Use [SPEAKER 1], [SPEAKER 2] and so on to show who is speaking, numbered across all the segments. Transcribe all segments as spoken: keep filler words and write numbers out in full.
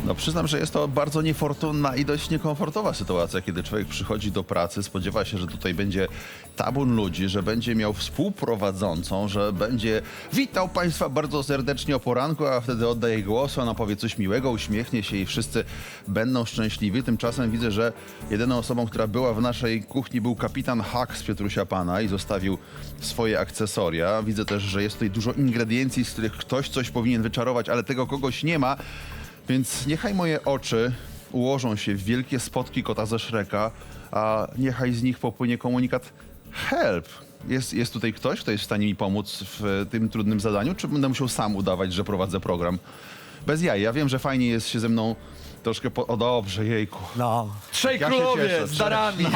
[SPEAKER 1] No przyznam, że jest to bardzo niefortunna i dość niekomfortowa sytuacja, kiedy człowiek przychodzi do pracy, spodziewa się, że tutaj będzie tabun ludzi, że będzie miał współprowadzącą, że będzie witał Państwa bardzo serdecznie o poranku, a wtedy oddaje głos, ona powie coś miłego, uśmiechnie się i wszyscy będą szczęśliwi. Tymczasem widzę, że jedyną osobą, która była w naszej kuchni, był kapitan Hak z Piotrusia Pana i zostawił swoje akcesoria. Widzę też, że jest tutaj dużo ingrediencji, z których ktoś coś powinien wyczarować, ale tego kogoś nie ma. Więc niechaj moje oczy ułożą się w wielkie spotki kota ze Shreka, a niechaj z nich popłynie komunikat help. Jest, jest tutaj ktoś, kto jest w stanie mi pomóc w tym trudnym zadaniu, czy będę musiał sam udawać, że prowadzę program? Bez jaj. Ja wiem, że fajnie jest się ze mną troszkę po... O dobrze, jejku.
[SPEAKER 2] No,
[SPEAKER 3] Trzej
[SPEAKER 1] Ja się
[SPEAKER 3] królowie
[SPEAKER 1] cieszę.
[SPEAKER 3] z darami.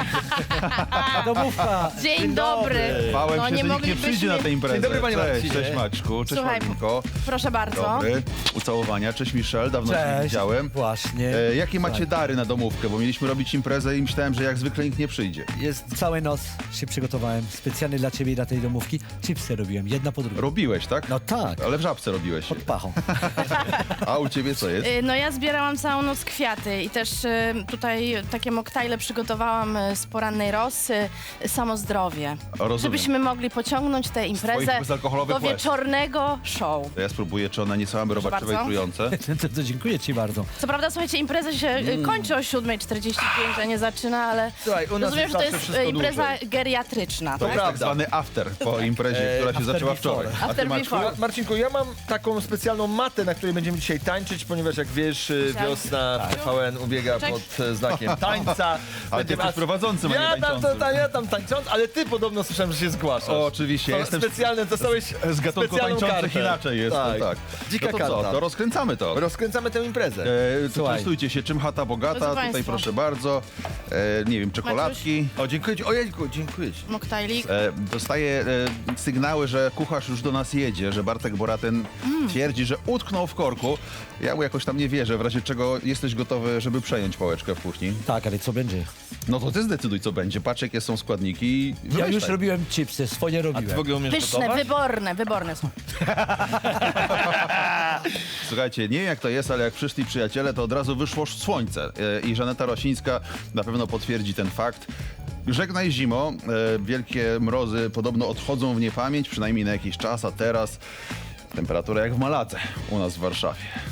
[SPEAKER 2] a domówka.
[SPEAKER 4] Dzień dobry.
[SPEAKER 1] Bałem
[SPEAKER 4] No,
[SPEAKER 1] się,
[SPEAKER 4] nie
[SPEAKER 1] że nikt nie
[SPEAKER 4] moglibyśmy-
[SPEAKER 1] przyjdzie na tę imprezę.
[SPEAKER 3] Dzień dobry, panie
[SPEAKER 1] Cześć,
[SPEAKER 3] Marcinie.
[SPEAKER 1] cześć Maćku, cześć
[SPEAKER 4] Słuchaj,
[SPEAKER 1] Paulinko.
[SPEAKER 4] proszę bardzo.
[SPEAKER 1] Dobry. Ucałowania. Cześć Michelle, dawno się nie
[SPEAKER 2] Cześć.
[SPEAKER 1] widziałem.
[SPEAKER 2] Właśnie.
[SPEAKER 1] E, jakie macie
[SPEAKER 2] Słuchaj,
[SPEAKER 1] dary na domówkę? Bo mieliśmy robić imprezę i myślałem, że jak zwykle nikt nie przyjdzie.
[SPEAKER 2] Jest całą noc się przygotowałem specjalnie dla ciebie i dla tej domówki. Chipsy robiłem, jedna po drugiej.
[SPEAKER 1] Robiłeś, tak?
[SPEAKER 2] No tak,
[SPEAKER 1] Ale w Żabce robiłeś.
[SPEAKER 2] pod pachą.
[SPEAKER 1] A u ciebie co jest?
[SPEAKER 4] Y, No ja zbierałam całą noc kwiaty i też y, tutaj takie moktajle przygotowałam y, z porannej rosy, y, samo zdrowie.
[SPEAKER 1] Rozumiem.
[SPEAKER 4] Żebyśmy mogli pociągnąć tę imprezę
[SPEAKER 1] twoich bezalkoholowych
[SPEAKER 4] do
[SPEAKER 1] łez.
[SPEAKER 4] wieczornego show.
[SPEAKER 1] To ja spróbuję, czy one nie są
[SPEAKER 4] Proszę
[SPEAKER 1] robaczywe i
[SPEAKER 4] bardzo.
[SPEAKER 1] trujące.
[SPEAKER 2] to, to dziękuję ci bardzo.
[SPEAKER 4] Co prawda, słuchajcie, impreza się y, kończy o siódma czterdzieści pięć, a nie zaczyna, ale
[SPEAKER 3] Słuchaj, u nas
[SPEAKER 4] rozumiem,
[SPEAKER 3] jest
[SPEAKER 4] że to
[SPEAKER 3] zawsze
[SPEAKER 4] jest
[SPEAKER 3] wszystko
[SPEAKER 4] y, impreza
[SPEAKER 3] dłużej.
[SPEAKER 4] geriatryczna,
[SPEAKER 1] To
[SPEAKER 4] tak?
[SPEAKER 1] jest tak
[SPEAKER 3] prawda.
[SPEAKER 1] zwany after po imprezie, która się
[SPEAKER 2] after
[SPEAKER 1] zaczęła
[SPEAKER 2] before.
[SPEAKER 1] wczoraj. A ty
[SPEAKER 4] After
[SPEAKER 1] Maćku?
[SPEAKER 4] before.
[SPEAKER 3] Ma- Marcinku, ja mam taką specjalną matę, na której będziemy dzisiaj tańczyć, ponieważ jak wiesz, y,
[SPEAKER 4] Tak.
[SPEAKER 3] wiosna w T V N ubiega
[SPEAKER 4] Cześć.
[SPEAKER 3] pod e, znakiem tańca.
[SPEAKER 1] Ale ty
[SPEAKER 3] Będziemy-
[SPEAKER 1] jesteś prowadzącym, a nie
[SPEAKER 3] ja tam, to,
[SPEAKER 1] tańczącym.
[SPEAKER 3] ta, ja tam tańcząc, ale ty podobno słyszałem, że się zgłaszasz.
[SPEAKER 1] O, oczywiście,
[SPEAKER 3] To
[SPEAKER 1] jestem
[SPEAKER 3] specjalne, dostałeś
[SPEAKER 1] z gatunku
[SPEAKER 3] specjalną
[SPEAKER 1] tańczących
[SPEAKER 3] kartę.
[SPEAKER 1] inaczej jest.
[SPEAKER 3] Tak.
[SPEAKER 1] Tak.
[SPEAKER 3] Dzika
[SPEAKER 1] no to co,
[SPEAKER 3] karta.
[SPEAKER 1] to rozkręcamy to.
[SPEAKER 3] Rozkręcamy tę imprezę.
[SPEAKER 1] E, to
[SPEAKER 2] Słuchaj.
[SPEAKER 1] częstujcie się, czym chata bogata,
[SPEAKER 4] Drodzy
[SPEAKER 1] tutaj
[SPEAKER 4] państwo.
[SPEAKER 1] proszę bardzo. E, nie wiem, czekoladki.
[SPEAKER 3] O, dziękuję ci. Ojejku, dziękuję ci.
[SPEAKER 4] Moktajlik.
[SPEAKER 1] E, dostaję e, sygnały, że kucharz już do nas jedzie, że Bartek Boraten twierdzi, że utknął w korku. Ja mu jakoś tam nie wierzę, w razie czego jesteś gotowy, żeby przejąć pałeczkę w kuchni.
[SPEAKER 2] Tak, ale co będzie?
[SPEAKER 1] No to ty zdecyduj, co będzie. Patrz, jakie są składniki i
[SPEAKER 2] Ja
[SPEAKER 1] wymyślaj.
[SPEAKER 2] już robiłem chipsy, swoje
[SPEAKER 3] A ty
[SPEAKER 2] robiłem.
[SPEAKER 3] w ogóle umiesz
[SPEAKER 4] Pyszne,
[SPEAKER 3] gotować?
[SPEAKER 4] wyborne, wyborne są.
[SPEAKER 1] Słuchajcie, nie wiem jak to jest, ale jak przyszli przyjaciele, to od razu wyszło słońce. E, I Żaneta Rosińska na pewno potwierdzi ten fakt. Żegnaj zimo. E, wielkie mrozy podobno odchodzą w niepamięć, przynajmniej na jakiś czas, a teraz temperatura jak w Malace u nas w Warszawie.